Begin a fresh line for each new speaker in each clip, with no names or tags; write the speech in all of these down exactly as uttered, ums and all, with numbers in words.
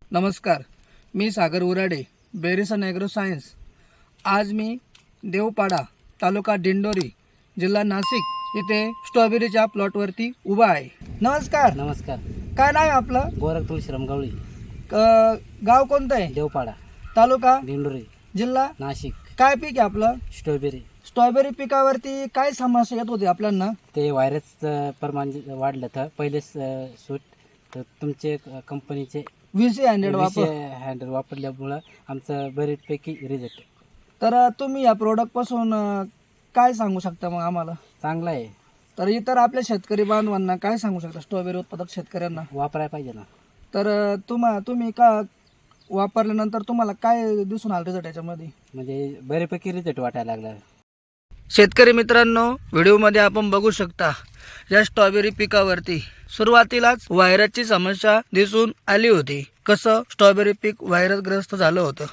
नमस्कार, मी सागर उराडे, बेरिसन agro science. आज मी देवपाडा, तालुका दिंडोरी, जिल्हा नाशिक येथे स्ट्रॉबेरीच्या प्लॉटवरती उभा आहे। नमस्कार।
नमस्कार।
काय नाव आहे आपलं?
गोरख तुळशीराम गवळी।
गाव कोणतं आहे?
देवपाडा,
तालुका
दिंडोरी,
जिल्हा
नाशिक।
काय पीक आहे आपलं?
स्ट्रॉबेरी।
स्ट्रॉबेरी पिकावरती काय समस्या येत होती आपल्याला?
ते व्हायरसचं प्रमाण वाढलं तर पहिलेच सूट तर तुमचे कंपनीचे
व्हीसी हंड्रेड वापर
हँडल वापरल्यामुळं आमचं बरेचपैकी रिझल्ट।
तर तुम्ही या प्रोडक्ट पासून काय सांगू शकता मग आम्हाला?
चांगला आहे।
तर इतर आपल्या शेतकरी बांधवांना काय सांगू शकता, स्ट्रॉबेरी उत्पादक शेतकऱ्यांना?
वापरायला पाहिजे ना।
तर तुम्हा तुम्ही का वापरल्यानंतर तुम्हाला काय दिसून आलं रिझल्ट याच्यामध्ये?
म्हणजे बरेपैकी रिझल्ट वाटायला लागला।
शेतकरी मित्रांनो, व्हिडिओमध्ये आपण बघू शकता या स्ट्रॉबेरी पिकावरती सुरुवातीलाच व्हायरसची समस्या दिसून आली होती। कसं स्ट्रॉबेरी पीक व्हायरसग्रस्त झालं होतं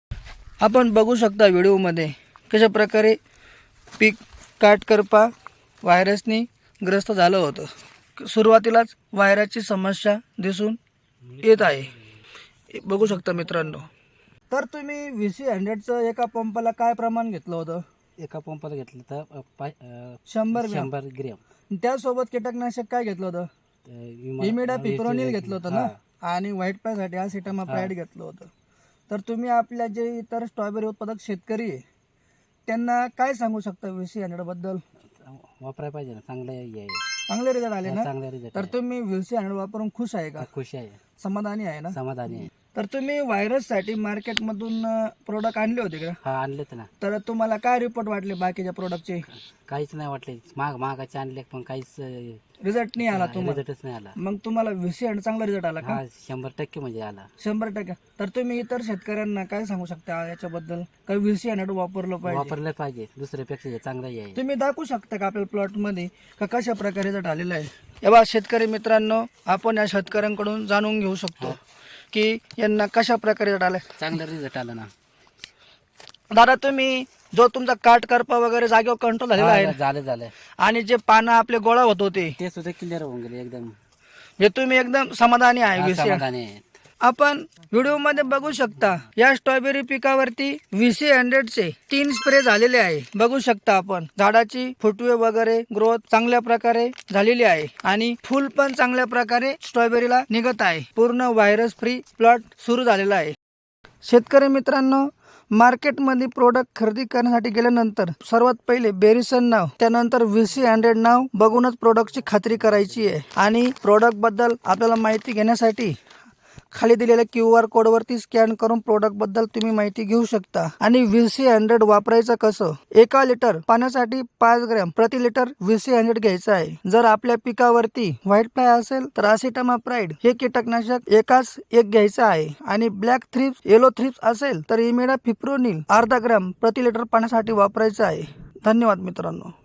आपण बघू शकता व्हिडिओमध्ये, कशा प्रकारे पीक काटकरपा व्हायरसनी ग्रस्त झालं होतं। सुरुवातीलाच व्हायरसची समस्या दिसून येत आहे, बघू शकता मित्रांनो। तर तुम्ही व्हीसी हंड्रेडचं एका पंपाला काय प्रमाण घेतलं होतं?
एका पंपाला घेतलं तर पाच
शंभर
शंभर ग्रॅम।
त्यासोबत कीटकनाशक काय घेतलं होतं? इमिडा पिप्रोनिल घेतलं होतं ना, आणि व्हाईट फ्लायसाठी ॲसिटामाप्राइड घेतलं होतं। तर तुम्ही आपल्या जे इतर स्ट्रॉबेरी उत्पादक शेतकरी आहे त्यांना काय सांगू शकता व्हीसी हंड्रेड बद्दल?
वापरायला पाहिजे ना, चांगलं आहे।
चांगले रिझल्ट आले ना?
चांगले रिझल्ट।
तर तुम्ही व्हीसी हंड्रेड वापरून खुश आहे का?
खुश आहे,
समाधानी आहे ना?
समाधानी आहे।
तर तुम्ही व्हायरससाठी मार्केटमधून प्रोडक्ट आणले होते का?
हा, आणलेत ना।
तर तुम्हाला काय रिपोर्ट वाटले बाकीच्या प्रोडक्टचे?
काहीच नाही वाटले, माग मागाचे आणले पण काहीच
रिझल्ट नाही आला तुम्हाला?
रिझल्टच नाही आला।
मग तुम्हाला व्हीसी हंड्रेड चांगला रिझल्ट आला का?
हा, शंभर टक्के म्हणजे आला।
शंभर टक्के। तर तुम्ही इतर शेतकऱ्यांना काय सांगू शकता याच्याबद्दल? काही व्हीसी हंड्रेड वापरलं पाहिजे?
वापरलं पाहिजे, दुसऱ्यापेक्षा हे चांगलं आहे।
तुम्ही दाखवू शकता का आपल्या प्लॉट मध्ये का कशा प्रकारे रिझल्ट आलेला आहे? एव्हा शेतकरी मित्रांनो, आपण या शेतकऱ्यांकडून जाणून घेऊ शकतो की यांना कशा प्रकारे रिझल्ट आलाय।
चांगला रिझल्ट आला ना
दादा। तुम्ही जो तुमचा काट करपा वगैरे जागेवर कंट्रोल झालेला आहे
झालं झालं
आणि जे पानं आपले गोळा होत होते
ते सुद्धा क्लिअर होऊन गेले एकदम।
हे तुम्ही एकदम समाधानी आहे?
हा,
व्हीसी
समाधानी आहे।
आपण व्हिडिओ मध्ये बघू शकता या स्ट्रॉबेरी पिकावरती व्हीसी हंड्रेड चे तीन स्प्रे झालेले आहे। बघू शकता आपण झाडाची फुटवे वगैरे ग्रोथ चांगल्या प्रकारे झालेली आहे आणि फुल पण चांगल्या प्रकारे स्ट्रॉबेरीला निघत आहे। पूर्ण व्हायरस फ्री प्लॉट सुरू झालेला आहे। शेतकरी मित्रांनो, मार्केटमध्ये प्रोडक्ट खरेदी करण्यासाठी गेल्यानंतर सर्वात पहिले बेरिसन नाव, त्यानंतर व्हीसी हंड्रेड नाव बघूनच प्रोडक्टची खात्री करायची आहे। आणि प्रोडक्ट बद्दल आपल्याला माहिती घेण्यासाठी खाली दिलेल्या क्यू आर कोड वरती स्कॅन करून प्रोडक्ट बद्दल तुम्ही माहिती घेऊ शकता। आणि व्हीसी हंड्रेड वापरायचं कसं? एका लिटर पाण्यासाठी पाच ग्रॅम प्रति लिटर व्हीसी हंड्रेड घ्यायचं आहे। जर आपल्या पिकावरती व्हाईट फ्लाय असेल तर ॲसिटामाप्राइड हे कीटकनाशक एकाच एक घ्यायचं आहे। आणि ब्लॅक थ्रिप्स, येलो थ्रिप्स असेल तर इमिडा पिप्रोनिल अर्धा ग्रॅम प्रति लिटर पाण्यासाठी वापरायचं आहे। धन्यवाद मित्रांनो।